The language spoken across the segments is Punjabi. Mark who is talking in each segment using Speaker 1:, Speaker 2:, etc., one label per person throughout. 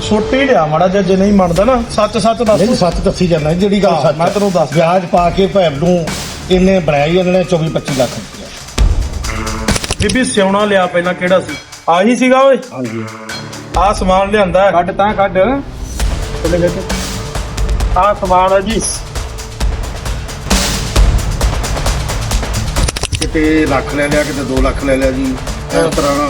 Speaker 1: ਛੋਟੀ ਲਿਆ ਮਾੜਾ ਜਿਹਾ, ਜੇ ਨਹੀਂ ਮੰਨਦਾ ਨਾ ਸੱਚ ਦੱਸ।
Speaker 2: ਨਹੀਂ ਸੱਚ ਦੱਸੀ ਜਾਂਦਾ ਜਿਹੜੀ ਗੱਲ ਸੱਚ।
Speaker 1: ਮੈਂ ਤੈਨੂੰ ਦੱਸ,
Speaker 2: ਵਿਆਜ ਪਾ ਕੇ ਭੈਣ ਨੂੰ ਇਹਨੇ ਬਣਾਇਆ ਇਹਨਾਂ ਨੇ 24-25 ਲੱਖ ਰੁਪਇਆ।
Speaker 1: ਬੀਬੀ ਸਿਉਣਾ ਲਿਆ ਪਹਿਲਾਂ ਕਿਹੜਾ ਸੀ? ਆਹੀ ਸੀਗਾ ਓਏ।
Speaker 2: ਹਾਂਜੀ
Speaker 1: ਆਹ ਸਮਾਨ ਲਿਆਂਦਾ,
Speaker 3: ਕੱਢ ਤਾਂ ਕੱਢ
Speaker 1: ਆਹ ਸਮਾਨ ਹੈ ਜੀ।
Speaker 2: ਕਿਤੇ ਲੱਖ ਲੈ ਲਿਆ, ਕਿਤੇ 2 ਲੱਖ ਲੈ ਲਿਆ ਜੀ। ਇਸ ਤਰ੍ਹਾਂ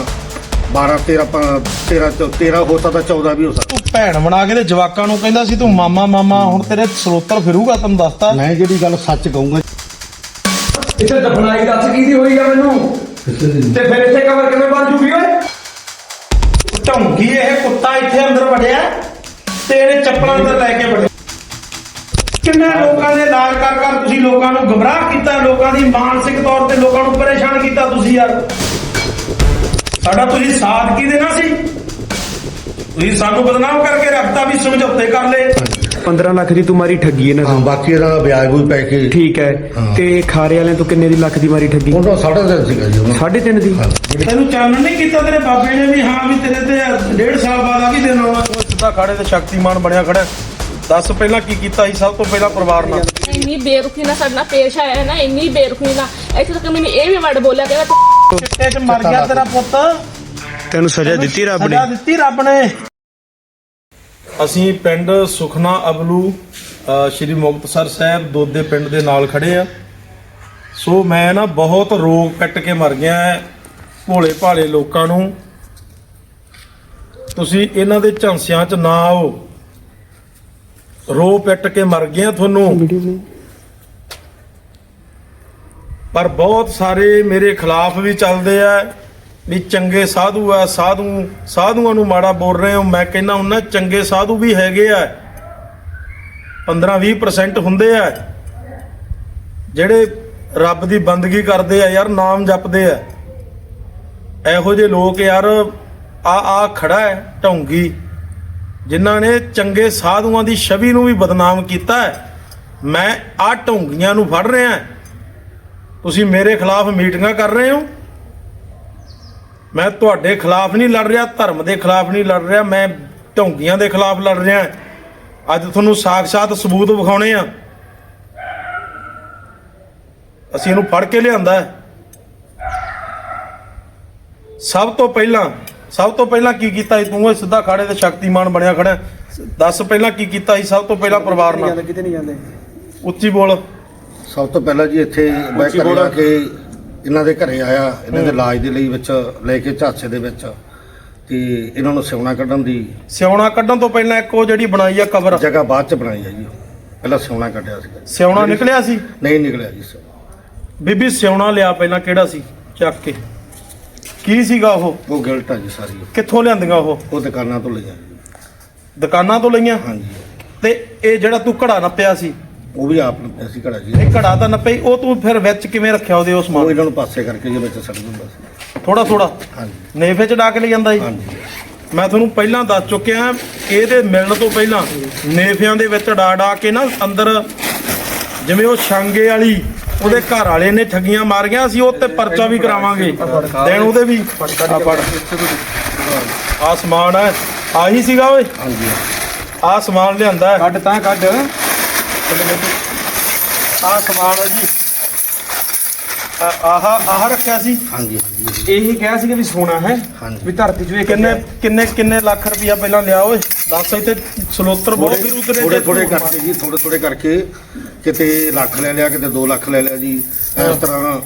Speaker 2: 13 ਹੋ ਸਕਦਾ, 14 ਵੀ ਹੋ ਸਕਦਾ।
Speaker 1: ਤੂੰ ਭੈਣ ਬਣਾ ਕੇ ਤੇ ਜਵਾਕਾਂ ਨੂੰ ਕਹਿੰਦਾ ਸੀ ਤੂੰ ਮਾਮਾ ਹੁਣ ਤੇਰੇ ਸਰੋਤਰ ਫਿਰੂਗਾ, ਤੈਨੂੰ ਦੱਸਤਾ।
Speaker 2: ਮੈਂ ਜਿਹੜੀ ਗੱਲ ਸੱਚ ਕਹੂੰਗਾ।
Speaker 3: ਇੱਥੇ ਦਫਨਾਈ ਦੱਸ ਕੀ ਦੀ ਹੋਈ ਆ ਮੈਨੂੰ, ਤੇ ਫਿਰ ਇੱਥੇ ਕਬਰ ਕਿਵੇਂ ਬਣ ਜੂਗੀ ਓਏ?
Speaker 1: ਢੌਂਗੀ ਇਹ ਕੁੱਤਾ ਇੱਥੇ ਅੰਦਰ ਵੜਿਆ ਤੇ ਇਹਨੇ ਚੱਪਲਾਂ ਅੰਦਰ ਲੈ ਕੇ ਵੜਿਆ। ਕਿੰਨੇ ਲੋਕਾਂ ਦੇ ਇਲਾਜ ਕਰ ਤੁਸੀਂ ਲੋਕਾਂ ਨੂੰ ਗੁੰਮਰਾਹ ਕੀਤਾ, ਲੋਕਾਂ ਦੀ ਮਾਨਸਿਕ ਤੌਰ ਤੇ ਲੋਕਾਂ ਨੂੰ ਪਰੇਸ਼ਾਨ ਕੀਤਾ ਤੁਸੀਂ ਯਾਰ। ਸਾਡਾ ਤੁਸੀਂ ਸਾਥ ਕੀ ਦੇਣਾ ਸੀ? ਤੁਸੀਂ ਸਾਨੂੰ ਬਦਨਾਮ ਕਰਕੇ ਰੱਖਤਾ, ਵੀ ਸਮਝੌਤੇ ਕਰ ਲਏ।
Speaker 3: 15 ਲੱਖ ਦੀ ਤੂੰ ਮਾਰੀ ਠੱਗੀ ਇਹਨਾਂ
Speaker 2: ਹਾਂ,
Speaker 3: ਤੋਂ।
Speaker 2: ਬਾਕੀ ਇਹਦਾ ਵਿਆਜ ਵੀ ਪੈ ਕੇ
Speaker 3: ਠੀਕ ਹੈ।
Speaker 2: ਹਾਂ।
Speaker 3: ਤੇ ਖਾਰੇ ਵਾਲਿਆਂ ਤੋਂ ਕਿੰਨੇ ਦੀ ਲੱਖ ਦੀ ਮਾਰੀ ਠੱਗੀ?
Speaker 2: ਉਹਨਾਂ 3.5 ਸੀਗਾ ਜੀ।
Speaker 3: 3.5 ਦੀ।
Speaker 1: ਤੈਨੂੰ ਚਾਨਣ ਨਹੀਂ ਕੀਤਾ ਤੇਰੇ ਬਾਬੇ ਨੇ ਵੀ ਹਾਂ ਵੀ ਤੇਰੇ ਤੇ 1.5 ਸਾਲ ਬਾਅਦ ਆ ਵੀ ਦੇਣਾ ਆਉਣਾ। ਉਹ ਸਿੱਧਾ ਖਾੜੇ ਤੇ ਸ਼ਕਤੀਮਾਨ ਬਣਿਆ ਖੜਾ। ਦੱਸ ਪਹਿਲਾਂ ਕੀ ਕੀਤਾ ਸੀ ਸਭ ਤੋਂ ਪਹਿਲਾਂ ਪਰਿਵਾਰ ਨਾਲ?
Speaker 4: ਇੰਨੀ ਬੇਰੁਖੀ ਨਾਲ ਸਾਡੇ ਨਾਲ ਪੇਸ਼ ਆਇਆ ਹੈ ਨਾ, ਇੰਨੀ ਬੇਰੁਖੀ ਨਾਲ। ਇੱਥੇ ਤੱਕ ਮੈਨੂੰ ਇਹ ਵੀ ਵਰਡ ਬੋਲਿਆ ਕਿ
Speaker 1: ਚਿੱਟੇ 'ਚ ਮਰ ਗਿਆ ਤੇਰਾ ਪੁੱਤ।
Speaker 3: ਤੈਨੂੰ ਸਜ਼ਾ ਦਿੱਤੀ ਰੱਬ ਨੇ।
Speaker 1: ਸਜ਼ਾ ਦਿੱਤੀ ਰੱਬ ਨੇ। ਅਸੀਂ ਪਿੰਡ ਸੁਖਨਾ ਅਬਲੂ ਸ਼੍ਰੀ ਮੁਕਤਸਰ ਸਾਹਿਬ ਦੋਦੇ ਪਿੰਡ ਦੇ ਨਾਲ ਖੜੇ ਆ। ਸੋ ਮੈਂ ਨਾ ਬਹੁਤ ਰੋਗ ਕੱਟ ਕੇ ਮਰ ਗਿਆ ਭੋਲੇ ਭਾਲੇ ਲੋਕਾਂ ਨੂੰ। ਤੁਸੀਂ ਇਹਨਾਂ ਦੇ ਝਾਂਸਿਆਂ 'ਚ ਨਾ ਆਓ। ਰੋ ਪਿੱਟ ਕੇ ਮਰ ਗਿਆ ਤੁਹਾਨੂੰ। ਪਰ ਬਹੁਤ ਸਾਰੇ ਮੇਰੇ ਖਿਲਾਫ ਵੀ ਚੱਲਦੇ ਆ ਵੀ ਚੰਗੇ ਸਾਧੂ ਆ, ਸਾਧੂਆਂ ਨੂੰ ਮਾੜਾ ਬੋਲ ਰਹੇ ਹੋ। ਮੈਂ ਕਹਿੰਦਾ ਉਹਨਾਂ ਚੰਗੇ ਸਾਧੂ ਵੀ ਹੈਗੇ ਆ, 15-20% ਹੁੰਦੇ ਆ ਜਿਹੜੇ ਰੱਬ ਦੀ ਬੰਦਗੀ ਕਰਦੇ ਆ ਯਾਰ, ਨਾਮ ਜਪਦੇ ਆ। ਇਹੋ ਜਿਹੇ ਲੋਕ ਯਾਰ ਆ ਖੜਾ ਹੈ ਢੌਂਗੀ, ਜਿਨ੍ਹਾਂ ਨੇ ਚੰਗੇ ਸਾਧੂਆਂ ਦੀ ਛਵੀ ਨੂੰ ਵੀ ਬਦਨਾਮ ਕੀਤਾ ਹੈ। ਮੈਂ ਆ ਢੌਂਗੀਆਂ ਨੂੰ ਫੜ ਰਿਹਾ। ਤੁਸੀਂ ਮੇਰੇ ਖਿਲਾਫ ਮੀਟਿੰਗਾਂ ਕਰ ਰਹੇ ਹੋ। ਮੈਂ ਤੁਹਾਡੇ ਖਿਲਾਫ ਨਹੀਂ ਲੜ ਰਿਹਾ, ਧਰਮ ਦੇ ਖਿਲਾਫ ਨਹੀਂ ਲੜ ਰਿਹਾ, ਮੈਂ ਢੌਂਗੀਆਂ ਦੇ ਖਿਲਾਫ ਲੜ ਰਿਹਾ। ਅੱਜ ਤੁਹਾਨੂੰ ਸਾਖਸ਼ਾਤ ਸਬੂਤ ਵਿਖਾਉਣੇ ਆ। ਅਸੀਂ ਇਹਨੂੰ ਫੜ ਕੇ ਲਿਆਂਦਾ। ਸਭ ਤੋਂ ਪਹਿਲਾਂ ਕੀ ਕੀਤਾ ਸੀ ਤੂੰ? ਇਹ ਸਿੱਧਾ ਖਾੜੇ ਤੇ ਸ਼ਕਤੀਮਾਨ ਬਣਿਆ ਖੜਾ। ਦੱਸ ਪਹਿਲਾਂ ਕੀ ਕੀਤਾ ਸੀ ਸਭ ਤੋਂ ਪਹਿਲਾਂ ਪਰਿਵਾਰ ਨਾਲ?
Speaker 3: ਕਿਤੇ ਨਹੀਂ ਜਾਂਦੇ।
Speaker 1: ਉੱਚੀ ਬੋਲ।
Speaker 2: ਸਭ ਤੋਂ ਪਹਿਲਾਂ ਜੀ ਇੱਥੇ ਮੈਂ ਘਰੇ ਆ ਕੇ ਇਹਨਾਂ ਦੇ ਘਰੇ ਆਇਆ, ਇਹਨਾਂ ਦੇ ਇਲਾਜ ਦੇ ਲਈ ਵਿੱਚ ਲੈ ਕੇ ਝਾਂਸੇ ਦੇ ਵਿੱਚ, ਤੇ ਇਹਨਾਂ ਨੂੰ ਸਿਉਣਾ ਕੱਢਣ ਤੋਂ ਪਹਿਲਾਂ ਇੱਕ ਉਹ ਜਿਹੜੀ ਬਣਾਈ ਆ ਕਬਰ
Speaker 1: ਜਗ੍ਹਾ
Speaker 2: ਬਾਅਦ ਚ ਬਣਾਈ ਆ ਜੀ। ਪਹਿਲਾਂ ਸਿਉਣਾ ਕੱਢਿਆ ਸੀਗਾ।
Speaker 1: ਸਿਉਣਾ ਨਿਕਲਿਆ ਸੀ?
Speaker 2: ਨਹੀਂ ਨਿਕਲਿਆ ਜੀ।
Speaker 1: ਬੀਬੀ ਸਿਉਣਾ ਲਿਆ ਪਹਿਲਾਂ ਕਿਹੜਾ ਸੀ ਚੱਕ ਕੇ? ਕੀ ਸੀਗਾ ਉਹ
Speaker 2: ਗਿਲਟ ਆ ਜੀ ਸਾਰੀ।
Speaker 1: ਕਿੱਥੋਂ ਲਿਆਂਦੀਆਂ
Speaker 2: ਉਹ ਦੁਕਾਨਾਂ ਤੋਂ ਲਈਆਂ ਜੀ।
Speaker 1: ਦੁਕਾਨਾਂ ਤੋਂ ਲਈਆਂ?
Speaker 2: ਹਾਂਜੀ।
Speaker 1: ਤੇ ਇਹ ਜਿਹੜਾ ਤੂੰ ਘੜਾ ਨੱਪਿਆ ਸੀ
Speaker 2: ਉਹ ਵੀ ਆਪ ਨੂੰ ਅਸੀਂ ਘੜਾ ਜੀ।
Speaker 1: ਇਹ ਘੜਾ ਤਾਂ ਨੱਪਈ, ਉਹ ਤੂੰ ਫਿਰ ਵਿੱਚ ਕਿਵੇਂ ਰੱਖਿਆ ਉਹਦੇ? ਉਸ
Speaker 2: ਉਹ
Speaker 1: ਸਮਾਨ
Speaker 2: ਇਹਨਾਂ ਨੂੰ ਪਾਸੇ ਕਰਕੇ ਜੇ ਵਿੱਚ ਸੱਟ ਦਿੰਦਾ ਸੀ
Speaker 1: ਥੋੜਾ।
Speaker 2: ਹਾਂਜੀ।
Speaker 1: ਨੇਫੇ ਚ ਡਾ ਕੇ ਲੈ ਜਾਂਦਾ ਸੀ?
Speaker 2: ਹਾਂਜੀ।
Speaker 1: ਮੈਂ ਤੁਹਾਨੂੰ ਪਹਿਲਾਂ ਦੱਸ ਚੁੱਕਿਆ, ਇਹਦੇ ਮਿਲਣ ਤੋਂ ਪਹਿਲਾਂ ਨੇਫਿਆਂ ਦੇ ਵਿੱਚ ਡਾ ਕੇ ਨਾ ਅੰਦਰ, ਜਿਵੇਂ ਉਹ ਛਾਂਗੇ ਵਾਲੀ ਉਹਦੇ ਘਰ ਵਾਲੇ ਨੇ ਠੱਗੀਆਂ ਮਾਰੀਆਂ, ਅਸੀਂ ਉਹ ਤੇ ਪਰਚਾ ਵੀ ਕਰਾਵਾਂਗੇ ਦੇਣ ਉਹਦੇ ਵੀ। ਆ ਸਮਾਨ ਹੈ, ਆਹੀ ਸੀਗਾ ਓਏ।
Speaker 2: ਹਾਂਜੀ।
Speaker 1: ਆ ਸਮਾਨ ਲਿਆਂਦਾ,
Speaker 3: ਕੱਢ ਤਾਂ ਕੱਢ।
Speaker 1: ਆ ਸਮਾਨ ਹੈ ਜੀ। ਆਹ ਰੱਖਿਆ ਸੀ।
Speaker 2: ਹਾਂਜੀ।
Speaker 3: ਇਹੀ ਕਿਹਾ ਸੀ ਕਿ ਵੀ ਸੋਨਾ ਹੈ
Speaker 2: ਹਾਂਜੀ।
Speaker 3: ਵੀ ਧਰਤੀ 'ਚ ਵੇਖ
Speaker 1: ਕਿੰਨੇ ਲੱਖ ਰੁਪਇਆ ਪਹਿਲਾਂ ਲਿਆ ਓਏ? ਦੱਸ। ਇੱਥੇ ਸਲੋਤਰ ਬਹੁਤ ਫਿਰੂ ਤੇਰੇ।
Speaker 2: ਥੋੜੇ ਕਰਕੇ ਜੀ, ਥੋੜੇ ਕਰਕੇ ਕਿਤੇ ਲੱਖ ਲੈ ਲਿਆ, ਕਿਤੇ 2 ਲੱਖ ਲੈ ਲਿਆ ਜੀ। ਇਸ ਤਰ੍ਹਾਂ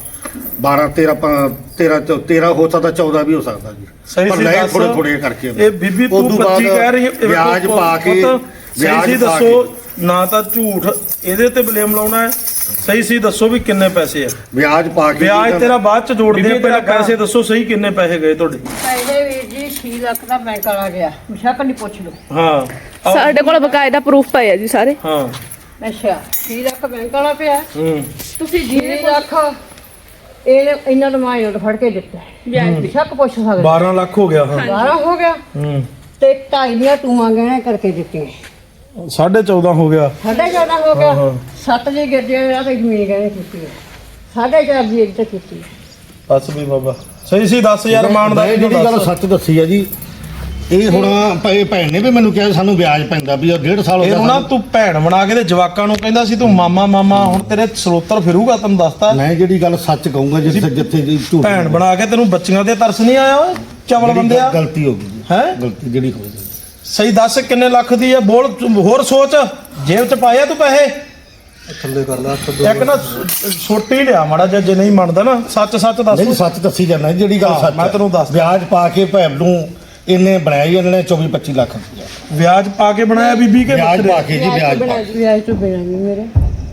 Speaker 2: 13 ਹੋ ਸਕਦਾ, 14 ਵੀ ਹੋ ਸਕਦਾ ਜੀ।
Speaker 1: ਸਹੀ ਸੀ ਦੱਸ।
Speaker 2: ਥੋੜੇ ਕਰਕੇ
Speaker 1: ਇਹ ਬੀਬੀ ਤੂੰ 25 ਕਹਿ ਰਹੀ ਹੈ।
Speaker 2: ਵਿਆਜ ਪਾ ਕੇ
Speaker 1: ਸਹੀ ਦੱਸੋ, ਨਾ ਤਾਂ ਝੂਠ ਇਹਦੇ ਤੇ ਬਲੇਮ ਲਾਉਣਾ ਹੈ। ਸਹੀ ਸੀ ਦੱਸੋ ਵੀ ਕਿੰਨੇ ਪੈਸੇ ਆ?
Speaker 2: ਵਿਆਜ ਪਾ ਕੇ।
Speaker 1: ਵਿਆਜ ਤੇਰਾ ਬਾਅਦ ਚ ਜੋੜਦੇ ਆ, ਪਹਿਲਾਂ ਪੈਸੇ ਦੱਸੋ ਸਹੀ ਕਿੰਨੇ ਪੈਸੇ ਗਏ ਤੁਹਾਡੇ?
Speaker 5: ਪਹਿਲੇ ਵੀਰ ਜੀ 6 ਲੱਖ ਦਾ ਬੈਂਕ ਵਾਲਾ ਗਿਆ, ਮੁਸ਼ਕ ਨਹੀਂ ਪੁੱਛ ਲਓ।
Speaker 1: ਹਾਂ
Speaker 4: ਸਾਡੇ ਕੋਲ ਬਕਾਇਦਾ ਪ੍ਰੂਫ ਪਏ ਆ ਜੀ ਸਾਰੇ।
Speaker 1: ਹਾਂ।
Speaker 5: ਅੱਛਾ 6 ਲੱਖ ਬੈਂਕ ਵਾਲਾ ਪਿਆ।
Speaker 4: ਤੁਸੀਂ
Speaker 5: 6 ਲੱਖ ਇਹਨਾਂ ਨੂੰ ਮਾਇਓ ਫੜ ਕੇ ਦਿੱਤਾ। ਮੁਸ਼ਕ ਪੁੱਛ ਸਕਦੇ।
Speaker 1: 12 ਲੱਖ ਹੋ ਗਿਆ। ਹਾਂ
Speaker 5: 12 ਹੋ ਗਿਆ। ਤੇ 2.5 ਦੀਆਂ ਟੂਆਂ ਗਹਿਣੇ ਕਰਕੇ ਦਿੱਤੀਆਂ।
Speaker 1: 14.5 ਹੋ ਗਿਆ।
Speaker 5: 14.5 ਹੋ ਗਿਆ। 7 ਜੀ ਗੱਡੀਆਂ ਤੇ ਜ਼ਮੀਨ ਗਹਿਣੇ ਕੀਤੀ। 4.5 ਦੀ ਇੱਕ ਤੇ ਕੀਤੀ।
Speaker 1: ਬਸ ਵੀ ਬਾਬਾ ਸਹੀ ਸੀ ਦੱਸ ਯਾਰ। ਮਾਨ ਦਾ
Speaker 2: ਜਿਹੜੀ ਗੱਲ ਸੱਚ ਦੱਸੀ ਆ ਜੀ। ਇਹ ਹੁਣ ਭੈਣ ਨੇ ਵੀ ਮੈਨੂੰ ਕਿਹਾ ਸਾਨੂੰ ਵਿਆਜ ਪੈਂਦਾ ਵੀ 1.5 ਸਾਲ ਹੋ
Speaker 1: ਇਹਨੂੰ ਨਾ ਤੂੰ ਭੈਣ ਬਣਾ ਕੇ ਤੇ ਜਵਾਕਾਂ ਨੂੰ ਕਹਿੰਦਾ ਸੀ ਤੂੰ ਮਾਮਾ ਮਾਮਾ, ਹੁਣ ਤੇਰੇ ਸਰੋਤਰ ਫਿਰੂਗਾ, ਤੈਨੂੰ ਦੱਸਤਾ।
Speaker 2: ਮੈਂ ਜਿਹੜੀ ਗੱਲ ਸੱਚ ਕਹੂੰਗਾ ਜਿੱਥੇ ਜੀ ਝੂਠ
Speaker 1: ਭੈਣ ਬਣਾ ਕੇ ਤੈਨੂੰ ਬੱਚੀਆਂ ਤੇ ਤਰਸ ਨਹੀਂ ਆਇਆ ਓਏ ਚਵਲ ਬੰਦਿਆ?
Speaker 2: ਗਲਤੀ ਹੋ ਗਈ ਜੀ,
Speaker 1: ਹੈ
Speaker 2: ਗਲਤੀ ਜਿਹੜੀ ਹੋਈ
Speaker 1: ਸਹੀ ਦੱਸ ਕਿੰਨੇ ਲੱਖ ਦੀ ਹੈ? ਬੋਲ ਹੋਰ ਸੋਚ, ਜੇਬ ਚ ਪਾਇਆ ਤੂੰ ਪੈਸੇ?
Speaker 2: ਥੱਲੇ ਕਰ ਲਾ
Speaker 1: ਇੱਕ ਨਾ ਛੋਟੀ ਲਿਆ ਮਾੜਾ ਜਿਹਾ, ਜੇ ਨਹੀਂ ਮੰਨਦਾ ਨਾ ਸੱਚ ਸੱਚ ਦੱਸ।
Speaker 2: ਨਹੀਂ ਸੱਚ ਦੱਸੀ ਜਾਂਦਾ ਜਿਹੜੀ ਗੱਲ ਸੱਚ
Speaker 1: ਮੈਂ ਤੈਨੂੰ ਦੱਸ
Speaker 2: ਵਿਆਜ ਪਾ ਕੇ ਭੈਣ ਨੂੰ ਇਹਨੇ ਬਣਾਇਆ ਜੀ, ਇਹਨਾਂ ਨੇ 24-25 ਲੱਖ ਰੁਪਇਆ
Speaker 1: ਵਿਆਜ ਪਾ ਕੇ ਬਣਾਇਆ ਬੀਬੀ ਕੇ
Speaker 2: ਵਿਆਜ ਪਾ ਕੇ ਜੀ, ਵਿਆਜ ਪਾ ਕੇ।
Speaker 5: ਵਿਆਜ ਤੋਂ ਬਿਨਾਂ ਵੀ ਮੇਰੇ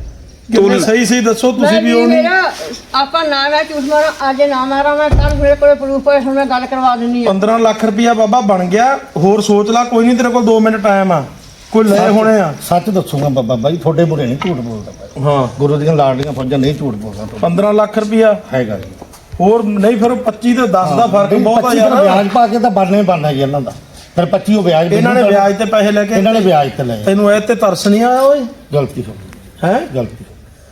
Speaker 1: ਤੂੰ ਸਹੀ ਦੱਸੋ ਤੁਸੀਂ ਵੀ ਉਹ ਨਹੀਂ।
Speaker 5: ਮੇਰਾ ਆਪਾਂ ਨਾ ਮੈਂ ਝੂਠ ਮਾਰਾਂ, ਅੱਜ ਨਾ ਮਾਰਾਂ ਮੈਂ, ਕੱਲ ਮੇਰੇ ਕੋਲੇ ਪ੍ਰੂਫ ਹੈ, ਹੁਣ ਮੈਂ ਗੱਲ ਕਰਵਾ ਦਿੰਨੀ ਆ।
Speaker 1: 15 ਲੱਖ ਰੁਪਇਆ ਬਾਬਾ ਬਣ ਗਿਆ, ਹੋਰ ਸੋਚ ਲੈ, ਕੋਈ ਨਹੀਂ ਤੇਰੇ ਕੋਲ 2 ਮਿੰਟ ਟਾਈਮ ਆ, ਕੋਈ ਲੈ ਹੋਣੇ ਆ।
Speaker 2: ਸੱਚ ਦੱਸੂਗਾ ਬਾਬਾ ਬਾਈ, ਤੁਹਾਡੇ ਬੁਰੇ ਨਹੀਂ ਝੂਠ ਬੋਲਦਾ ਮੈਂ।
Speaker 1: ਹਾਂ
Speaker 2: ਗੁਰੂ ਦੀਆਂ ਲਾਡਲੀਆਂ ਫੌਜਾਂ ਨਹੀਂ ਝੂਠ ਬੋਲਦਾ
Speaker 1: 15 ਲੱਖ ਰੁਪਇਆ
Speaker 2: ਹੈਗਾ ਜੀ।
Speaker 1: ਹੋਰ ਨਹੀਂ, ਫਿਰ 25 ਤੇ 10 ਦਾ ਫਰਕ ਬਹੁਤ ਆ
Speaker 2: 25
Speaker 1: ਯਾਰ।
Speaker 2: ਵਿਆਜ ਪਾ ਕੇ ਤਾਂ ਬਣਨਾ ਹੀ ਬਣਨਾ ਜੀ ਇਹਨਾਂ ਦਾ, ਫਿਰ 25 ਉਹ ਵਿਆਜ
Speaker 1: ਇਹਨਾਂ ਨੇ ਵਿਆਜ ਤੇ ਪੈਸੇ ਲੈ ਕੇ,
Speaker 2: ਇਹਨਾਂ ਨੇ ਵਿਆਜ ਤੇ ਲਏ।
Speaker 1: ਤੈਨੂੰ ਇਹ ਤੇ ਤਰਸ ਨਹੀਂ ਆਇਆ ਓਏ?
Speaker 2: ਗਲਤੀ ਹੋ ਗਈ,
Speaker 1: ਹੈ
Speaker 2: ਗਲਤੀ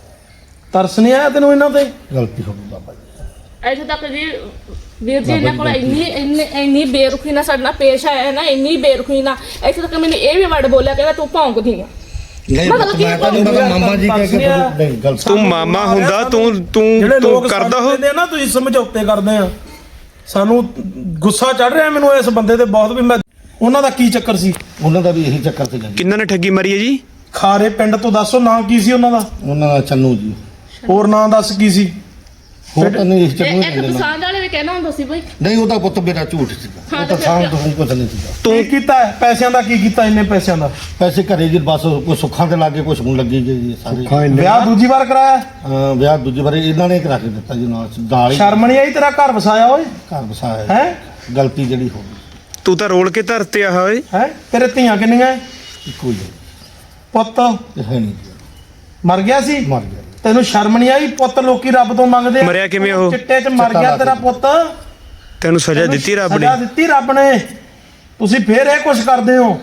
Speaker 1: ਤਰਸ ਨਹੀਂ ਆਇਆ ਤੈਨੂੰ ਇਹਨਾਂ ਤੇ?
Speaker 2: ਗਲਤੀ ਹੋ ਗਈ ਬਾਬਾ ਜੀ।
Speaker 4: ਇੱਥੇ ਤੱਕ ਜੀ ਵੀਰ ਜੀ ਇਹਨਾਂ ਕੋਲ ਇੰਨੀ ਬੇਰੁਖੀ ਨਾਲ ਸਾਡੇ ਨਾਲ ਪੇਸ਼ ਆਇਆ ਨਾ, ਇੰਨੀ ਬੇਰੁਖੀ ਨਾਲ। ਇੱਥੇ ਤੱਕ ਮੈਨੂੰ ਇਹ ਵੀ ਵਰਡ ਬੋਲਿਆ ਕਿ ਤੂੰ ਭੌਂਕਦੀ ਆ।
Speaker 2: ਨਹੀਂ
Speaker 4: ਮਤਲਬ ਕਿ
Speaker 2: ਮੈਂ ਤਾਂ ਨਹੀਂ ਪਤਾ ਮਾਮਾ ਜੀ ਕਹਿ ਕੇ ਨਹੀਂ ਗਲਤ
Speaker 6: ਤੂੰ ਮਾਮਾ ਹੁੰਦਾ,
Speaker 1: ਜਿਹੜੇ
Speaker 6: ਤੂੰ
Speaker 1: ਲੋਕ
Speaker 6: ਕਰਦਾ
Speaker 1: ਸਾਨੂੰ
Speaker 6: ਹੋ।
Speaker 1: ਕਹਿੰਦੇ ਆ ਨਾ ਤੁਸੀਂ ਸਮਝੌਤੇ ਕਰਦੇ ਆ, ਸਾਨੂੰ ਗੁੱਸਾ ਚੜ ਰਿਹਾ ਮੈਨੂੰ ਇਸ ਬੰਦੇ ਤੇ ਬਹੁਤ, ਵੀ ਮੈਂ ਉਹਨਾਂ ਦਾ ਕੀ ਚੱਕਰ ਸੀ?
Speaker 2: ਉਹਨਾਂ ਦਾ ਵੀ ਇਹੀ ਚੱਕਰ ਸੀਗਾ ਜੀ।
Speaker 6: ਕਿੰਨਾਂ ਨੇ ਠੱਗੀ ਮਾਰੀ ਹੈ ਜੀ?
Speaker 1: ਖਾਰੇ ਪਿੰਡ ਤੋਂ ਦੱਸੋ ਨਾਂ ਕੀ ਸੀ ਉਹਨਾਂ ਦਾ?
Speaker 2: ਉਹਨਾਂ ਦਾ ਚੰਨੂ ਜੀ,
Speaker 1: ਹੋਰ ਨਾਂ ਦੱਸ ਕੀ ਸੀ?
Speaker 2: ਹੋਰ ਤਾਂ ਨਹੀਂ ਇਸ ਚੰਨੂ
Speaker 4: ਇੱਕ
Speaker 2: ਨਹੀਂ
Speaker 4: ਪਸੰਦ ਵਾਲੇ ਵੀ ਕਹਿਣਾ ਹੁੰਦਾ ਸੀ ਬਈ।
Speaker 2: ਨਹੀਂ ਉਹਦਾ ਪੁੱਤ ਮੇਰਾ ਝੂਠ ਸੀਗਾ,
Speaker 4: ਹਾਂ,
Speaker 2: ਉਹ ਤਾਂ
Speaker 4: ਤੇ
Speaker 2: ਸਾਂ
Speaker 4: ਫਿਰ
Speaker 2: ਤੋਂ ਕੁਝ ਨਹੀਂ ਸੀਗਾ।
Speaker 1: ਤੂੰ ਕੀਤਾ ਹੈ? ਪੈਸਿਆਂ ਦਾ ਕੀ ਕੀਤਾ? ਇੰਨੇ ਪੈਸਿਆਂ ਦਾ
Speaker 2: ਪੈਸੇ ਘਰੇ ਜੀ ਬਸ ਕੋਈ ਸੁੱਖਾਂ ਤੇ ਲੱਗੇ, ਕੁਝ ਹੁਣ ਲੱਗੀ ਜੀ ਸਾਰੇ।
Speaker 1: ਵਿਆਹ ਦੂਜੀ ਵਾਰ ਕਰਾਇਆ?
Speaker 2: ਵਿਆਹ ਦੂਜੀ ਵਾਰੀ ਇਹਨਾਂ ਨੇ ਕਰਾ ਕੇ ਦਿੱਤਾ ਜੀ, ਨਾਲ ਹੀ
Speaker 1: ਸ਼ਰਮ ਨਹੀਂ ਆਈ? ਤੇਰਾ ਘਰ ਵਸਾਇਆ ਓਏ,
Speaker 2: ਘਰ ਵਸਾਇਆ
Speaker 1: ਹੈ?
Speaker 2: ਗਲਤੀ ਜਿਹੜੀ ਹੋ ਗਈ
Speaker 6: ਤੂੰ ਤਾਂ ਰੋਲ ਕੇ ਧਰਤੇ ਆ ਓਏ।
Speaker 1: ਹੈ ਤੇਰੇ ਧੀਆਂ ਕਿੰਨੀਆਂ?
Speaker 2: ਇੱਕੋ ਹੀ ਹੈ,
Speaker 1: ਪੁੱਤ
Speaker 2: ਇਹ ਹੈ ਨਹੀਂ ਜੀ,
Speaker 1: ਮਰ ਗਿਆ ਸੀ?
Speaker 2: ਮਰ ਗਿਆ।
Speaker 1: ਤੈਨੂੰ ਸ਼ਰਮ ਨਹੀਂ ਆਈ? ਪੁੱਤ ਲੋਕੀ ਰੱਬ ਤੋਂ ਮੰਗਦੇ ਆ।
Speaker 6: ਮਰਿਆ ਕਿਵੇਂ ਉਹ?
Speaker 1: ਚਿੱਟੇ 'ਚ ਮਰ ਗਿਆ ਤੇਰਾ ਪੁੱਤ।
Speaker 6: ਤੈਨੂੰ ਸਜ਼ਾ ਦਿੱਤੀ ਰੱਬ ਨੇ?
Speaker 1: ਸਜ਼ਾ ਦਿੱਤੀ ਰੱਬ ਨੇ, ਤੁਸੀਂ ਫੇਰ ਇਹ ਕੁਛ ਕਰਦੇ ਹੋ।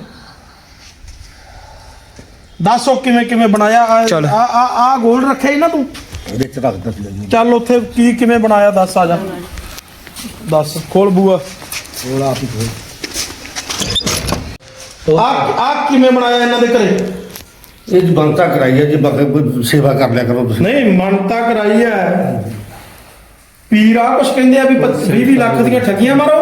Speaker 1: ਦੱਸੋ ਕਿਵੇਂ ਕਿਵੇਂ ਬਣਾਇਆ?
Speaker 6: ਚੱਲ।
Speaker 1: ਆ ਗੋਲ ਰੱਖਿਆ ਹੀ ਨਾ ਤੂੰ?
Speaker 2: ਇਹਦੇ ਚ ਰੱਖ ਦਿੱਤੀ ਜੀ।
Speaker 1: ਚੱਲ ਉੱਥੇ ਕੀ ਕਿਵੇਂ ਬਣਾਇਆ ਦੱਸ, ਆ ਜਾ ਦੱਸ, ਖੋਲ ਬੂਆ।
Speaker 2: ਉਹ ਆਪ ਹੀ ਖੋਲ।
Speaker 1: ਆ ਕਿਵੇਂ ਬਣਾਇਆ ਇਹਨਾਂ ਦੇ ਘਰੇ?
Speaker 2: ਇਹ ਜੀ ਬੰਤਾ ਕਰਾਈ ਹੈ ਜੀ, ਬਾਕੀ ਕੋਈ ਸੇਵਾ ਕਰ ਲਿਆ ਕਰੋ ਤੁਸੀਂ।
Speaker 1: ਨਹੀਂ ਮੰਨਤਾ ਕਰਾਈ ਹੈ, ਪੀਰ ਆ ਕੁਛ ਕਹਿੰਦੇ ਆ ਵੀ 20 ਲੱਖ ਦੀਆਂ ਠੱਗੀਆਂ ਮਾਰੋ।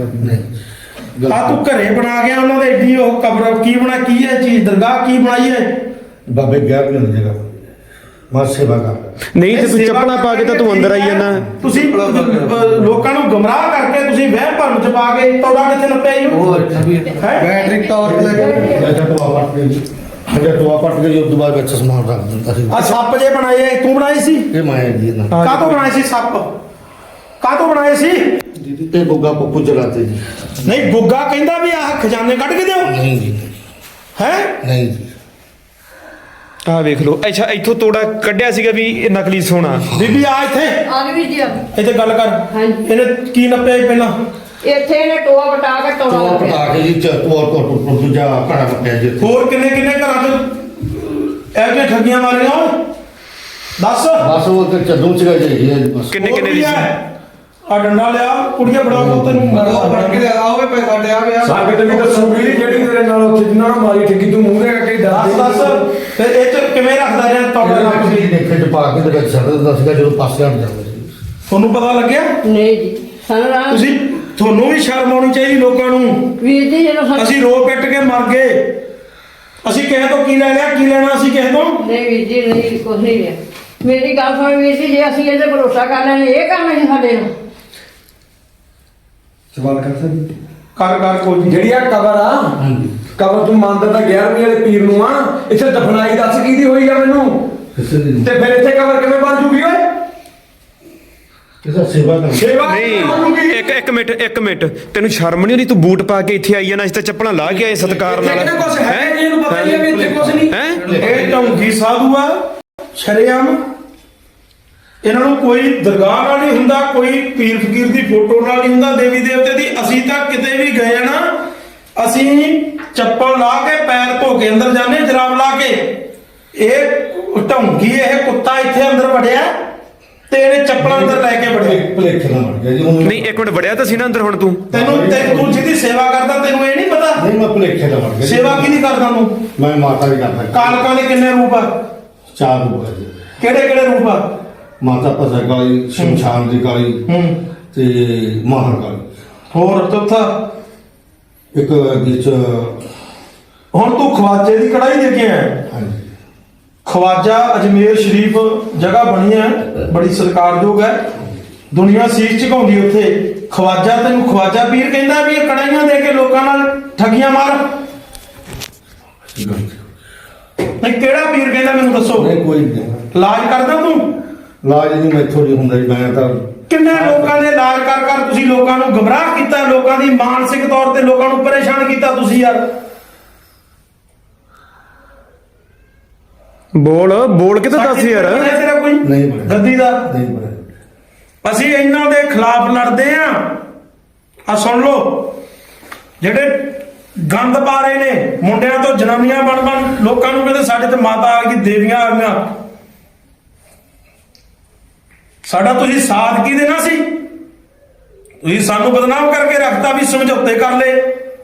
Speaker 1: ਆ ਤੂੰ ਘਰੇ ਬਣਾ ਗਿਆ ਉਹਨਾਂ ਦੇ ਏਡੀ ਉਹ ਕਬਰ, ਕੀ ਬਣਾ, ਕੀ ਹੈ ਚੀਜ਼, ਦਰਗਾਹ ਕੀ ਬਣਾਈ ਹੈ?
Speaker 2: ਬਾਬੇ ਗਿਆ ਵੀ ਨਹੀਂ ਜਗ੍ਹਾ, ਮੈਂ ਸੇਵਾ ਕਰ।
Speaker 6: ਨਹੀਂ ਤੇ ਤੂੰ
Speaker 1: ਸੇਵਾ
Speaker 6: ਚੱਪਲਾਂ ਪਾ ਕੇ ਤਾਂ ਤੂੰ ਅੰਦਰ ਆਈ ਜਾਂਦਾ।
Speaker 1: ਤੁਸੀਂ ਲੋਕਾਂ ਨੂੰ ਗੁੰਮਰਾਹ ਕਰਕੇ ਤੁਸੀਂ ਵਹਿਮ ਭਰਮ ਚ ਪਾ ਕੇ ਤੋੜਾ ਕਿੱਥੇ ਨੱਪਿਆ ਹੀ
Speaker 2: ਬੈਟਰੀ ਟਾਰਚ ਲੈ ਕੇ ਟੋਆ ਪੱਟ ਕੇ ਜੀ, ਟੋਆ ਪੱਟ ਕੇ ਉਸ ਤੋਂ ਬਾਅਦ ਵਿੱਚ ਸਮਾਨ ਰੱਖ ਦਿੰਦਾ ਸੀ।
Speaker 1: ਆ ਸੱਪ ਜੇ ਬਣਾਏ ਤੂੰ ਬਣਾਏ ਸੀ?
Speaker 2: ਇਹ ਮਾਇਆ ਜੀ ਇਹਨਾਂ
Speaker 1: ਕਾਹਤੋਂ ਬਣਾਏ ਸੀ ਸੱਪ? ਕਾਹਤੋਂ ਬਣਾਏ ਸੀ?
Speaker 2: ਤੇ ਬੁੱਗਾ ਪੱਪੂ ਜਲਾਤੇ ਜੀ।
Speaker 1: ਨਹੀਂ ਗੁੱਗਾ ਕਹਿੰਦਾ ਵੀ ਆਹ ਖਜ਼ਾਨੇ ਕੱਢ ਕੇ ਦਿਓ।
Speaker 2: ਨਹੀਂ ਜੀ,
Speaker 1: ਹੈ
Speaker 2: ਨਹੀਂ ਜੀ।
Speaker 6: ਆਹ ਵੇਖ ਲਓ। ਅੱਛਾ ਇੱਥੋਂ ਤੋੜਾ ਕੱਢਿਆ ਸੀਗਾ ਵੀ ਇਹ ਨਕਲੀ ਸੋਨਾ।
Speaker 1: ਬੀਬੀ ਆ ਇੱਥੇ,
Speaker 5: ਆ ਗਈ ਜੀ ਆ ਗਈ।
Speaker 1: ਇੱਥੇ ਗੱਲ ਕਰ।
Speaker 5: ਹਾਂਜੀ।
Speaker 1: ਇਹਨੇ ਕੀ ਨੱਪਿਆ ਸੀ ਪਹਿਲਾਂ?
Speaker 5: ਇੱਥੇ ਇਹਨੇ ਟੋਆ ਵਟਾ ਕੇ ਟੋਆ
Speaker 2: ਟੋਆ
Speaker 5: ਲੱਭਿਆ।
Speaker 2: ਪਟਾ ਕੇ ਜੀ ਟੋਆ ਦੂਜਾ ਘੜਾ ਪੱਟਿਆ ਜੀ ਇੱਥੇ।
Speaker 1: ਹੋਰ ਕਿੰਨੇ ਕਿੰਨੇ ਘਰਾਂ 'ਚ ਇਹੋ ਜਿਹੀਆਂ ਠੱਗੀਆਂ ਮਾਰੀਆਂ? ਦੱਸ।
Speaker 2: ਬਸ ਉਹ ਤੇ ਚੱਦੂ ਚ ਗਏ ਜੀ ਬਸ।
Speaker 6: ਕਿੰਨੇ ਕਿੰਨੇ ਦੀ ਸੀ?
Speaker 1: ਆ ਡੰਡਾ ਲਿਆ, ਕੁੜੀਆਂ ਫੜਾਓ ਤੈਨੂੰ
Speaker 3: ਸਾਡੇ ਤੇ ਵੀ ਦੱਸੂਗੀ ਜਿਹੜੀ ਤੇਰੇ ਨਾਲ ਉੱਥੇ ਜਿੰਨਾ ਨਾਲ ਮਾਰੀ ਠੱਗੀ, ਤੂੰ ਮੂੰਹ ਦੇ ਕੇ
Speaker 1: ਦੱਸ ਦੱਸ ਫਿਰ ਇਹ 'ਚ ਕਿਵੇਂ ਰੱਖਦਾ ਰਿਹਾ ਤੁਹਾਡੇ ਨਾਲ?
Speaker 2: ਤੁਸੀਂ ਦੇਖੇ ਚ ਪਾ ਕੇ ਤੇ ਵਿੱਚ ਛੱਡ ਦਿੰਦਾ ਸੀਗਾ ਜਦੋਂ ਪਾਸੇ ਹਟ ਜਾਂਦਾ ਸੀ।
Speaker 1: ਤੁਹਾਨੂੰ ਪਤਾ ਲੱਗਿਆ?
Speaker 5: ਨਹੀਂ ਜੀ ਸਾਨੂੰ ਰਾਮ
Speaker 1: ਤੁਸੀਂ, ਤੁਹਾਨੂੰ ਵੀ ਸ਼ਰਮ ਆਉਣੀ ਚਾਹੀਦੀ ਲੋਕਾਂ ਨੂੰ।
Speaker 5: ਵੀਰ ਜੀ ਜਦੋਂ ਸਾਨੂੰ
Speaker 1: ਅਸੀਂ ਰੋ ਪਿੱਟ ਕੇ ਮਰ ਗਏ, ਅਸੀਂ ਕਿਸੇ ਤੋਂ ਕੀ ਲੈ ਲਿਆ? ਕੀ ਲੈਣਾ ਅਸੀਂ ਕਿਸੇ ਤੋਂ?
Speaker 5: ਨਹੀਂ ਵੀਰ ਜੀ ਨਹੀਂ ਕੁਛ ਨਹੀਂ ਲਿਆ। ਮੇਰੀ ਗੱਲ ਸੁਣ ਵੀਰ ਜੀ, ਜੇ ਅਸੀਂ ਇਹਦੇ ਭਰੋਸਾ ਕਰ ਲੈਣੇ ਇਹ ਕੰਮ ਹੈ ਸਾਡੇ ਨਾਲ।
Speaker 3: ਸਵਾਲ ਕਰ ਸਕਦੀ
Speaker 1: ਕਰ ਕੋਈ ਨਹੀਂ।
Speaker 3: ਜਿਹੜੀ ਆ ਕਬਰ ਆ, ਕਬਰ ਤੂੰ ਮੰਨਦਾ ਤਾਂ 11ਵੀਂ ਵਾਲੇ ਪੀਰ ਨੂੰ ਆ, ਇੱਥੇ ਦਫਨਾਈ ਦੱਸ ਕਿਹਦੀ ਹੋਈ ਆ ਮੈਨੂੰ?
Speaker 2: ਕਿਸੇ ਦੀ
Speaker 3: ਤੇ ਫਿਰ ਇੱਥੇ ਕਬਰ ਕਿਵੇਂ ਬਣ ਜੂਗੀ ਓਏ?
Speaker 2: ਕਿਸੇ ਸੇਵਾ ਕਰ।
Speaker 3: ਸੇਵਾ ਕਿਵੇਂ ਬਣ ਜੂਗੀ?
Speaker 6: ਨਹੀਂ ਇੱਕ ਮਿੰਟ ਤੈਨੂੰ ਸ਼ਰਮ ਨਹੀਂ ਆਉਂਦੀ? ਤੂੰ ਬੂਟ ਪਾ ਕੇ ਇੱਥੇ ਆਈ ਜਾਂਦਾ, ਅਸੀਂ ਤਾਂ ਚੱਪਲਾਂ ਲਾ ਕੇ ਆਏ ਸਤਿਕਾਰ ਨਾਲ।
Speaker 3: ਇੱਥੇ ਕੁਛ ਹੈ ਨਹੀਂ, ਇਹਨੂੰ ਪਤਾ ਨਹੀਂ ਆ ਵੀ ਇੱਥੇ ਕੁਛ ਨਹੀਂ।
Speaker 6: ਹੈ
Speaker 1: ਇਹ ਢੌਂਗੀ ਸਾਧੂ ਆ ਸ਼ਰੇਆਮ। ਇਹਨਾਂ ਨੂੰ ਕੋਈ ਦਰਗਾਹ ਨਾਲ ਨਹੀਂ ਹੁੰਦਾ, ਕੋਈ ਪੀਰ ਫਕੀਰ ਦੀ ਫੋਟੋ ਨਾਲ ਨਹੀਂ ਹੁੰਦਾ, ਦੇਵੀ ਦੇਵਤੇ ਦੀ। ਅਸੀਂ ਤਾਂ ਕਿਤੇ ਵੀ ਗਏ ਨਾ, ਅਸੀਂ ਚੱਪਲ ਲਾ ਕੇ ਪੈਰ ਧੋ ਕੇ ਅੰਦਰ ਜਾਂਦੇ, ਜਰਾਬ ਲਾ ਕੇ। ਇਹ ਢੌਂਗੀ, ਇਹ ਕੁੱਤਾ ਇੱਥੇ ਅੰਦਰ ਵੜਿਆ ਤੇ ਇਹਨੇ ਚੱਪਲਾਂ ਅੰਦਰ ਲੈ ਕੇ ਵੜੇ।
Speaker 2: ਭਲੇਖੇ ਨਾਲ ਵੜ ਗਿਆ ਜੀ ਉਹਨੂੰ।
Speaker 6: ਨਹੀਂ ਇੱਕ ਮਿੰਟ ਵੜਿਆ ਤਾਂ ਸੀ ਨਾ ਅੰਦਰ ਹੁਣ ਤੂੰ
Speaker 1: ਤੈਨੂੰ ਤੂੰ ਜਿਹਦੀ ਸੇਵਾ ਕਰਦਾ ਤੈਨੂੰ ਇਹ ਨਹੀਂ ਪਤਾ
Speaker 2: ਨਹੀਂ ਮੈਂ ਭਲੇਖੇ ਨਾਲ ਵੜ ਗਿਆ ਜੀ।
Speaker 1: ਸੇਵਾ ਕਿਹਦੀ ਕਰਦਾ ਤੂੰ?
Speaker 2: ਮੈਂ ਮਾਤਾ ਦੀ ਕਰਦਾ।
Speaker 1: ਕਾਲਕਾਂ ਦੇ ਕਿੰਨੇ ਰੂਪ ਆ?
Speaker 2: 4 ਰੂਪ ਹੈ ਜੀ।
Speaker 1: ਕਿਹੜੇ ਕਿਹੜੇ ਰੂਪ ਆ?
Speaker 2: ਮਾਤਾ ਭਸਰ ਕਾਲੀ, ਸ਼ਮਸ਼ਾਨ ਦੀ ਕਾਲੀ ਤੇ ਮਾਹਰ ਕਾਲੀ।
Speaker 1: ਹੋਰ ਚੌਥਾ?
Speaker 2: ਇੱਕ ਵਿੱਚ
Speaker 1: ਹੁਣ ਤੂੰ ਖਵਾਜੇ ਦੀ ਕੜਾਈ ਦੇ ਕੇ ਆਇਆ।
Speaker 2: ਹਾਂਜੀ
Speaker 1: ਖਵਾਜਾ ਅਜਮੇਰ ਸ਼ਰੀਫ ਜਗ੍ਹਾ ਬਣੀ ਹੈ, ਬੜੀ ਸਤਿਕਾਰਯੋਗ ਹੈ, ਦੁਨੀਆ ਸੀਸ ਝੁਕਾਉਂਦੀ ਉੱਥੇ। ਖਵਾਜਾ ਤੈਨੂੰ ਖਵਾਜਾ ਪੀਰ ਕਹਿੰਦਾ ਵੀ ਇਹ ਕੜਾਈਆਂ ਦੇ ਕੇ ਲੋਕਾਂ ਨਾਲ ਠੱਗੀਆਂ ਮਾਰ? ਨਹੀਂ ਕਿਹੜਾ ਪੀਰ ਕਹਿੰਦਾ ਮੈਨੂੰ ਦੱਸੋ?
Speaker 2: ਨਹੀਂ ਕੋਈ ਨਹੀਂ
Speaker 1: ਇਲਾਜ ਕਰਦਾ ਤੂੰ?
Speaker 2: ਲਾਜ ਨਹੀਂ ਮੈਥੋਂ ਨਹੀਂ ਹੁੰਦਾ ਜੀ। ਮੈਂ ਤਾਂ
Speaker 1: ਕਿੰਨੇ ਲੋਕਾਂ ਦੇ ਇਲਾਜ ਕਰ ਕਰ ਤੁਸੀਂ ਲੋਕਾਂ ਨੂੰ ਗਮਰਾਹ ਕੀਤਾ, ਲੋਕਾਂ ਦੀ ਮਾਨਸਿਕ ਤੌਰ ਤੇ ਲੋਕਾਂ ਨੂੰ ਪਰੇਸ਼ਾਨ ਕੀਤਾ ਤੁਸੀਂ ਯਾਰ।
Speaker 6: ਬੋਲ ਕੇ ਤਾਂ ਦੱਸ ਯਾਰ।
Speaker 1: ਹੈ ਤੇਰਾ ਕੋਈ
Speaker 2: ਨਹੀਂ ਬਣਿਆ।
Speaker 1: ਗੱਦੀ ਦਾ?
Speaker 2: ਨਹੀਂ ਬਣਿਆ।
Speaker 1: ਅਸੀਂ ਇਹਨਾਂ ਦੇ ਖਿਲਾਫ ਲੜਦੇ ਆ ਸੁਣ ਲਓ, ਜਿਹੜੇ ਗੰਦ ਪਾ ਰਹੇ ਨੇ ਮੁੰਡਿਆਂ ਤੋਂ ਜਨਾਨੀਆਂ ਬਣ ਲੋਕਾਂ ਨੂੰ ਕਹਿੰਦੇ ਸਾਡੇ ਤੇ ਮਾਤਾ ਆ ਗਈ, ਦੇਵੀਆਂ ਆ ਗਈਆਂ। ਸਾਡਾ ਤੁਸੀਂ ਸਾਥ ਕੀ ਦੇਣਾ ਸੀ? ਤੁਸੀਂ ਸਾਨੂੰ ਬਦਨਾਮ ਕਰਕੇ ਰੱਖਤਾ ਵੀ ਸਮਝੌਤੇ ਕਰ ਲਏ।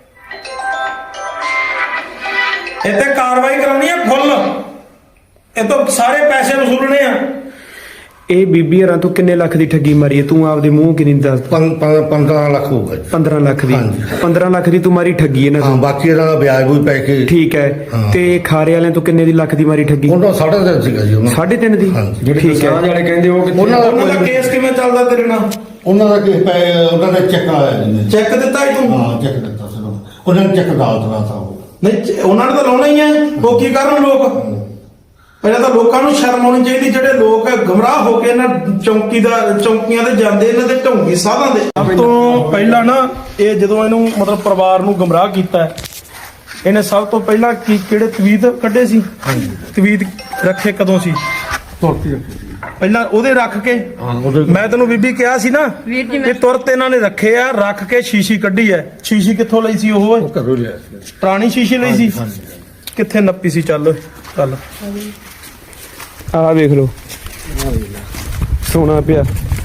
Speaker 1: ਇੱਥੇ ਕਾਰਵਾਈ ਕਰਾਉਣੀ ਆ ਫੁੱਲ, ਇਹ ਤੋਂ ਸਾਰੇ ਪੈਸੇ ਵਸੂਲਣੇ ਆ।
Speaker 6: ਇਹ ਬੀਬੀ ਹਰਾਂ ਤੂੰ ਕਿੰਨੇ ਲੱਖ ਦੀ ਠੱਗੀ ਮਾਰੀ ਹੈ? ਤੂੰ ਆਪਦੇ ਮੂੰਹ ਕਿੰਨੀ ਦੱਸ?
Speaker 2: 15 ਲੱਖ ਹੋਊਗਾ ਜੀ।
Speaker 6: 15 ਲੱਖ ਦੀ।
Speaker 2: ਹਾਂਜੀ।
Speaker 6: 15 ਲੱਖ ਦੀ ਤੂੰ ਮਾਰੀ ਠੱਗੀ ਇਹਨਾਂ
Speaker 2: ਹਾਂ
Speaker 6: ਤੋਂ।
Speaker 2: ਬਾਕੀ ਇਹਨਾਂ ਦਾ ਵਿਆਜ ਵੀ ਪੈ ਕੇ
Speaker 6: ਠੀਕ ਹੈ।
Speaker 2: ਹਾਂ।
Speaker 6: ਤੇ ਖਾਰੇ ਵਾਲਿਆਂ ਤੋਂ ਕਿੰਨੇ ਦੀ ਲੱਖ ਦੀ ਮਾਰੀ ਠੱਗੀ?
Speaker 2: ਉਹਨਾਂ 3.5 ਸੀਗਾ ਜੀ ਉਹਨਾਂ
Speaker 6: 3.5 ਦੀ।
Speaker 2: ਹਾਂਜੀ।
Speaker 6: ਠੀਕ ਹੈ।
Speaker 3: ਵਾਲੇ ਕਹਿੰਦੇ ਉਹ ਕਿੱਥੇ?
Speaker 1: ਉਹਨਾਂ ਦਾ ਕੇਸ ਕਿਵੇਂ ਚੱਲਦਾ ਤੇਰੇ ਨਾਲ?
Speaker 2: ਉਹਨਾਂ ਦਾ ਕਿ ਉਹਨਾਂ ਦਾ ਚੈੱਕ ਆਇਆ ਜੀ।
Speaker 1: ਚੈੱਕ ਦਿੱਤਾ ਹੀ ਤੂੰ?
Speaker 2: ਹਾਂ ਚੈੱਕ ਦਿੱਤਾ ਸੀ ਉਹਨਾਂ ਨੇ। ਚੈੱਕ ਦਾਲ ਤਰਾ ਤਾ ਉਹ।
Speaker 1: ਨਹੀਂ ਉਹਨਾਂ ਨੇ ਤਾਂ ਲਾਉਣਾ ਹੀ ਹੈ। ਉਹ ਕੀ ਕਰਨ ਲੋਕ? ਪਹਿਲਾਂ ਤਾਂ ਲੋਕਾਂ ਨੂੰ ਸ਼ਰਮ ਆਉਣੀ ਚਾਹੀਦੀ, ਜਿਹੜੇ ਲੋਕ ਗਮਰਾਹ ਹੋ ਕੇ ਇਹਨਾਂ ਚੌਂਕੀਆਂ ਤੇ ਜਾਂਦੇ, ਇਹਨਾਂ ਦੇ ਢੋਂਗੀ ਸਾਧਾਂ ਦੇ। ਸਭ ਤੋਂ ਪਹਿਲਾਂ ਨਾ ਇਹ ਜਦੋਂ ਇਹਨੂੰ ਮਤਲਬ ਪਰਿਵਾਰ ਨੂੰ ਗਮਰਾਹ ਕੀਤਾ, ਇਹਨੇ ਸਭ ਤੋਂ ਪਹਿਲਾਂ ਕਿਹੜੇ ਤਵੀਤ ਕੱਢੇ ਸੀ? ਤਵੀਤ ਰੱਖੇ ਕਦੋਂ ਸੀ?
Speaker 2: ਤੁਰਤੀ
Speaker 1: ਪਹਿਲਾਂ ਉਹਦੇ ਰੱਖ ਕੇ। ਮੈਂ ਤੈਨੂੰ ਬੀਬੀ ਕਿਹਾ ਸੀ ਨਾ ਕਿ ਤੁਰਤ ਇਹਨਾਂ ਨੇ ਰੱਖੇ ਆ, ਰੱਖ ਕੇ ਸ਼ੀਸ਼ੀ ਕੱਢੀ ਐ। ਸ਼ੀਸ਼ੀ ਕਿੱਥੋਂ ਲਈ ਸੀ ਉਹ?
Speaker 2: ਘਰੋਂ ਲਿਆ ਸੀ।
Speaker 1: ਪੁਰਾਣੀ ਸ਼ੀਸ਼ੀ ਲਈ ਸੀ? ਕਿੱਥੇ ਨੱਪੀ ਸੀ? ਚੱਲ ਚੱਲ
Speaker 6: ਆਹ ਵੇਖ ਲਓ, ਸੋਨਾ ਪਿਆ।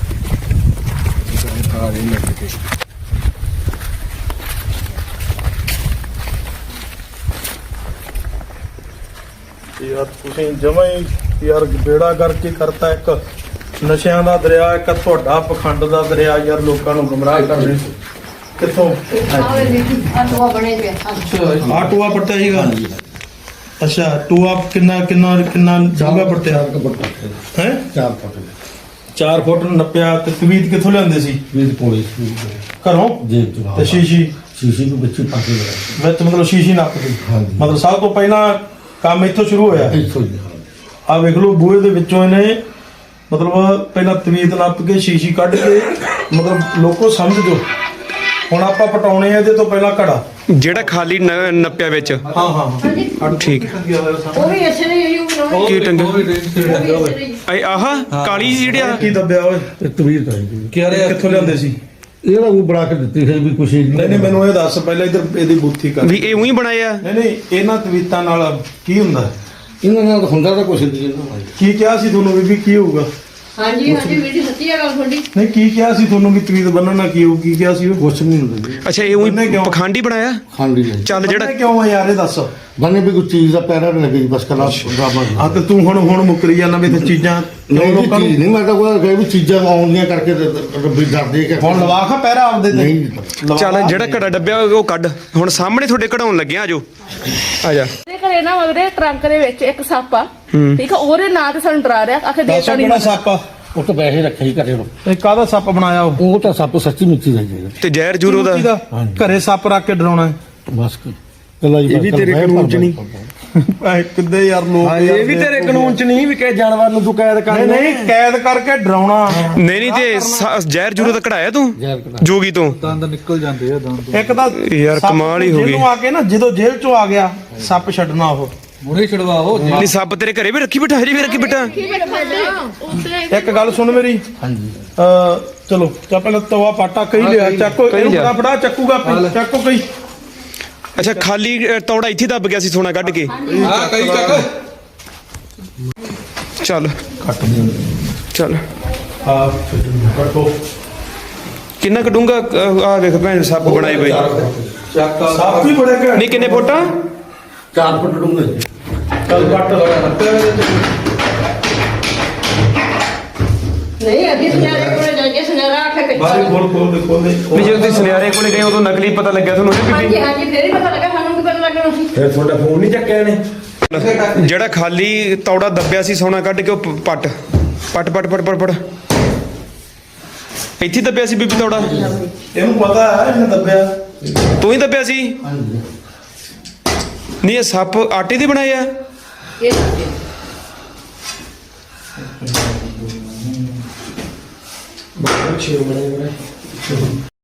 Speaker 1: ਯਾਰ ਤੁਸੀਂ ਜਮਾਂ ਹੀ ਯਾਰ ਬੇੜਾ ਕਰਕੇ ਕਰਤਾ। ਇੱਕ ਨਸ਼ਿਆਂ ਦਾ ਦਰਿਆ, ਇੱਕ ਤੁਹਾਡਾ ਪਖੰਡ ਦਾ ਦਰਿਆ। ਯਾਰ ਲੋਕਾਂ ਨੂੰ ਗੁੰਮਰਾਹ ਕਰ ਰਹੇ ਕਿੱਥੋਂ?
Speaker 5: ਆਟਵਾ ਬਣੇ ਪਿਆ।
Speaker 1: ਆ ਟੂਆ ਪੱਟਿਆ ਸੀਗਾ? ਅੱਛਾ, ਟੂਆ ਕਿੰਨਾ ਜਗ੍ਹਾ ਪੱਟਿਆ ਹੈ?
Speaker 2: 4 ਫੁੱਟ
Speaker 1: 4 ਫੁੱਟ ਨੱਪਿਆ। ਤੇ ਤਵੀਤ ਕਿੱਥੋਂ ਲਿਆਂਦੇ ਸੀ?
Speaker 2: ਵੀਰ ਕੋਲੇ
Speaker 1: ਘਰੋਂ?
Speaker 2: ਜੇਬ ਤੋਂ।
Speaker 1: ਤੇ ਸ਼ੀਸ਼ੀ
Speaker 2: ਸ਼ੀਸ਼ੀ ਨੂੰ ਵਿੱਚ ਪਾ ਕੇ ਲਿਆ
Speaker 1: ਵਿੱਚ ਮਤਲਬ ਸ਼ੀਸ਼ੀ ਨੱਪਦੀ?
Speaker 2: ਹਾਂਜੀ।
Speaker 1: ਮਤਲਬ ਸਭ ਤੋਂ ਪਹਿਲਾਂ ਕੰਮ ਇੱਥੋਂ ਸ਼ੁਰੂ ਹੋਇਆ।
Speaker 2: ਇੱਥੋਂ ਹੀ।
Speaker 1: ਆ ਵੇਖ ਲਓ, ਬੂਹੇ ਦੇ ਵਿੱਚੋਂ ਇਹਨੇ ਮਤਲਬ ਪਹਿਲਾਂ ਤਵੀਤ ਨੱਪ ਕੇ ਸ਼ੀਸ਼ੀ ਕੱਢ ਕੇ, ਮਤਲਬ ਲੋਕੋ ਸਮਝ ਜੋ। ਹੁਣ ਆਪਾਂ ਪਟਾਉਣੇ ਆ ਇਹਦੇ ਤੋਂ ਪਹਿਲਾਂ ਘੜਾ,
Speaker 6: ਜਿਹੜਾ ਖਾਲੀ ਨੱਪਿਆ ਵਿੱਚ।
Speaker 1: ਹਾਂ ਹਾਂ
Speaker 6: ਠੀਕ ਹੈ।
Speaker 5: ਉਹ ਵੀ ਇਸੇ ਨੇ ਹੀ ਬਣਾਉਣੇ।
Speaker 6: ਕੀ ਟੰਗ ਆਹ ਕਾਲੀ ਜਿਹੀ ਜਿਹੜੀ ਆ
Speaker 1: ਕੀ ਦੱਬਿਆ ਓਏ?
Speaker 2: ਤਵੀਰ ਤਾਂ ਹੈ
Speaker 1: ਕਿੱਥੋਂ ਲਿਆਂਦੇ ਸੀ?
Speaker 2: ਇਹਦਾ ਉਹ ਬਣਾ ਕੇ ਦਿੱਤੀ ਹੈ ਵੀ ਕੁਛ
Speaker 1: ਨਹੀਂ ਮੈਨੂੰ ਇਹ ਦੱਸ ਪਹਿਲਾਂ ਇੱਧਰ ਇਹਦੀ ਬੁੱਥੀ ਕਰ।
Speaker 6: ਵੀ ਇਹ ਉਹੀ ਬਣਾਇਆ?
Speaker 1: ਨਹੀਂ ਇਹਨਾਂ ਤਵੀਤਾਂ ਨਾਲ ਕੀ ਹੁੰਦਾ?
Speaker 2: ਇਹਨਾਂ ਨਾਲ ਹੁੰਦਾ ਤਾਂ ਕੁਛ ਨਹੀਂ ਇਹਨਾਂ
Speaker 1: ਕੀ ਕਿਹਾ ਸੀ ਤੁਹਾਨੂੰ ਬੀਬੀ ਕੀ ਹੋਊਗਾ?
Speaker 5: ਹਾਂਜੀ ਵੀਡੀ ਸੱਚੀ ਆ ਗੱਲ ਤੁਹਾਡੀ।
Speaker 1: ਨਹੀਂ ਕੀ ਕਿਹਾ ਸੀ ਤੁਹਾਨੂੰ ਵੀ ਤਵੀਤ ਬੰਨਣ ਨਾਲ ਕੀ ਹੋਊ? ਕੀ ਕਿਹਾ ਸੀ ਉਹ?
Speaker 2: ਕੁਛ ਨਹੀਂ ਹੁੰਦਾ ਜੀ।
Speaker 6: ਅੱਛਾ, ਇਹ ਉਹੀ
Speaker 1: ਉਹਨੇ ਕਿਉਂ?
Speaker 6: ਪਖੰਡੀ ਬਣਾਇਆ?
Speaker 2: ਖਾਂਡੀ ਹੈ
Speaker 6: ਚੱਲ ਜਿਹੜਾ
Speaker 1: ਬੰਨ੍ਹੇ ਕਿਉਂ ਆ ਯਾਰ ਇਹ ਦੱਸ?
Speaker 2: ਬੰਨੇ ਵੀ ਕੋਈ ਚੀਜ਼ ਦਾ ਪੈਰਾ ਨਹੀਂ ਲੱਗੀ ਬਸ ਕਲਾ ਡਰਾਮਾ
Speaker 1: ਆ ਤੇ ਤੂੰ ਹੁਣ ਮੁੱਕਰੀ ਜਾਂਦਾ ਵੀ ਤੇ ਚੀਜ਼ਾਂ
Speaker 2: ਨਹੀਂ
Speaker 1: ਲੋਕਾਂ ਨੂੰ।
Speaker 2: ਚੀਜ਼ ਨਹੀਂ, ਮੈਂ ਤਾਂ ਕੋਈ ਵੀ ਚੀਜ਼ਾਂ ਆਉਂਦੀਆਂ ਕਰਕੇ ਰੱਬੀ ਡਰਦੇ ਕਿ
Speaker 1: ਹੁਣ ਲਵਾ ਖਾ ਪਹਿਰਾ ਆਪਦੇ ਤੇ।
Speaker 2: ਨਹੀਂ
Speaker 1: ਲਵਾ
Speaker 6: ਚੱਲ
Speaker 1: ਖਾ।
Speaker 6: ਜਿਹੜਾ ਘੜਾ ਡੱਬਿਆ ਉਹ ਕੱਢ। ਹੁਣ ਸਾਹਮਣੇ ਤੁਹਾਡੇ ਕਢਾਉਣ ਲੱਗਿਆ। ਆਜੋ ਆ ਜਾ।
Speaker 4: ਤੇ ਘਰੇ ਨਾ ਉਹਦੇ ਟਰੰਕ ਦੇ ਵਿੱਚ ਇੱਕ ਸੱਪ ਆ, ਠੀਕ ਆ? ਉਹਦੇ ਨਾਂ ਤੇ ਸਾਨੂੰ ਡਰਾ ਰਿਹਾ, ਆਖੇ
Speaker 1: ਦੱਸੋ
Speaker 4: ਦੇਤਾ ਨਹੀਂ।
Speaker 1: ਕਿਹੜਾ ਸੱਪ ਆ?
Speaker 2: ਉਹ ਤਾਂ ਪੈਸੇ ਰੱਖੇ ਹੀ ਘਰੇ ਨੂੰ।
Speaker 1: ਇਹ ਕਾਹਦਾ ਸੱਪ ਬਣਾਇਆ ਉਹ?
Speaker 2: ਤਾਂ ਸੱਪ ਸੱਚੀ ਮਿੱਟੀ ਦਾ ਜੀ
Speaker 6: ਤੇ ਜ਼ਹਿਰ ਜੂਰੋ ਦਾ।
Speaker 1: ਘਰੇ ਸੱਪ ਰੱਖ ਕੇ ਡਰਾਉਣਾ ਹੈ?
Speaker 2: ਬਸ ਕੱਲਾ
Speaker 6: ਇਹ ਵੀ ਤੇਰੇ ਕਾਨੂੰਨ ਚ ਨਹੀਂ।
Speaker 1: ਐ ਕਿੱਦੇ ਯਾਰ ਲੋਕ
Speaker 3: ਇਹ ਵੀ ਤੇਰੇ ਕਾਨੂੰਨ ਚ ਨਹੀਂ ਵੀ ਕਿਸੇ ਜਾਨਵਰ ਨੂੰ ਤੂੰ ਕੈਦ ਕਰ।
Speaker 1: ਨਹੀਂ ਕੈਦ ਕਰਕੇ ਡਰਾਉਣਾ।
Speaker 6: ਨਹੀਂ ਤੇ ਜ਼ਹਿਰ ਜੂਰੋ ਦਾ ਕਢਾਇਆ ਤੂੰ ਜੋਗੀ ਤੋਂ?
Speaker 3: ਦੰਦ ਨਿਕਲ ਜਾਂਦੇ ਆ ਦੰਦ।
Speaker 1: ਇੱਕ ਤਾਂ
Speaker 6: ਯਾਰ
Speaker 1: ਸੱਪ
Speaker 6: ਕਮਾਲ ਹੀ ਹੋ ਗਈ।
Speaker 1: ਜਿਹਨੂੰ ਆ ਕੇ ਨਾ ਜਦੋਂ ਜੇਲ੍ਹ ਚੋਂ ਆ ਗਿਆ ਸੱਪ ਛੱਡਣਾ ਉਹ।
Speaker 3: ਮੁੜੇ ਛਡਵਾਓ।
Speaker 6: ਨਹੀਂ ਸੱਪ ਤੇਰੇ ਘਰੇ ਵੀ ਰੱਖੀ ਬਿਠਾ, ਹਜੇ ਵੀ ਰੱਖੀ ਬਿਠਾ।
Speaker 1: ਇੱਕ ਗੱਲ ਸੁਣ ਮੇਰੀ।
Speaker 2: ਹਾਂਜੀ
Speaker 1: ਚਲੋ ਚਾ ਪਹਿਲਾਂ ਤਵਾ ਪਾਟਾ ਕਈ ਲਿਆ, ਚੱਕੋ ਇਹਨੂੰ
Speaker 6: ਲਿਆ।
Speaker 1: ਫੜਾ ਚੱਕੂਗਾ ਆਪੇ, ਚੱਕੋ ਕਈ।
Speaker 6: ਅੱਛਾ, ਖਾਲੀ ਤੌੜਾ ਇੱਥੇ ਦੱਬ ਗਿਆ ਸੀ ਸੋਨਾ ਕੱਢ ਕੇ।
Speaker 3: ਹਾਂ ਕਈ ਚੱਕ।
Speaker 6: ਚੱਲ
Speaker 1: ਕੱਟ ਦੇ।
Speaker 6: ਚੱਲ
Speaker 1: ਆ ਕੱਟੋ
Speaker 6: ਕਿੰਨਾ ਕਟੂੰਗਾ ਆ ਵੇਖ ਭੈਣ ਸੱਪ ਬਣਾਏ ਬਈ
Speaker 1: ਸਭ ਤੋਂ ਬੜੇ ਘੈਂਟ
Speaker 6: ਨਹੀਂ ਕਿੰਨੇ ਫੁੱਟ ਆ
Speaker 2: 4 ਫੁੱਟ ਡੂੰਘਾ ਜੀ।
Speaker 1: ਚੱਲ ਕੱਟ ਲਗਾ
Speaker 5: ਨਹੀਂ ਅੱਧੀ ਸੁਨਿਆਰੇ ਕੋਲੇ ਜਾ ਕੇ ਸੁਨਿਆਰਾ ਆਖੇ ਕਿ
Speaker 1: ਬਾਹਰ ਖੋਲ ਦੇ
Speaker 6: ਨਹੀਂ ਜਦੋਂ ਤੁਸੀਂ ਸੁਨਿਆਰੇ ਕੋਲੇ ਗਏ ਉਦੋਂ ਨਕਲੀ ਪਤਾ ਲੱਗਿਆ ਤੁਹਾਨੂੰ ਇਹ
Speaker 5: ਹਾਂਜੀ
Speaker 6: ਬੀਬੀ
Speaker 5: ਹਾਂਜੀ ਫੇਰ ਹੀ ਪਤਾ ਲੱਗਾ ਸਾਨੂੰ ਕੀ ਪਤਾ ਲੱਗਣਾ ਸੀ
Speaker 3: ਫਿਰ ਤੁਹਾਡਾ ਫੋਨ ਨਹੀਂ ਚੱਕਿਆ ਇਹਨੇ
Speaker 6: ਜਿਹੜਾ ਖਾਲੀ ਤੌੜਾ ਦੱਬਿਆ ਸੀ ਸੋਨਾ ਕੱਢ ਕੇ ਉਹ ਪੱਟ ਇੱਥੇ ਦੱਬਿਆ ਸੀ ਬੀਬੀ ਤੌੜਾ
Speaker 1: ਇਹਨੂੰ ਪਤਾ ਹੈ ਇਹਨੇ ਦੱਬਿਆ
Speaker 6: ਤੂੰ ਹੀ ਦੱਬਿਆ ਸੀ ਨਹੀਂ ਇਹ ਸੱਪ ਆਟੇ ਦੇ ਬਣਾਏ ਆ
Speaker 5: ਇਹ
Speaker 3: ਛੇ ਬਣੇ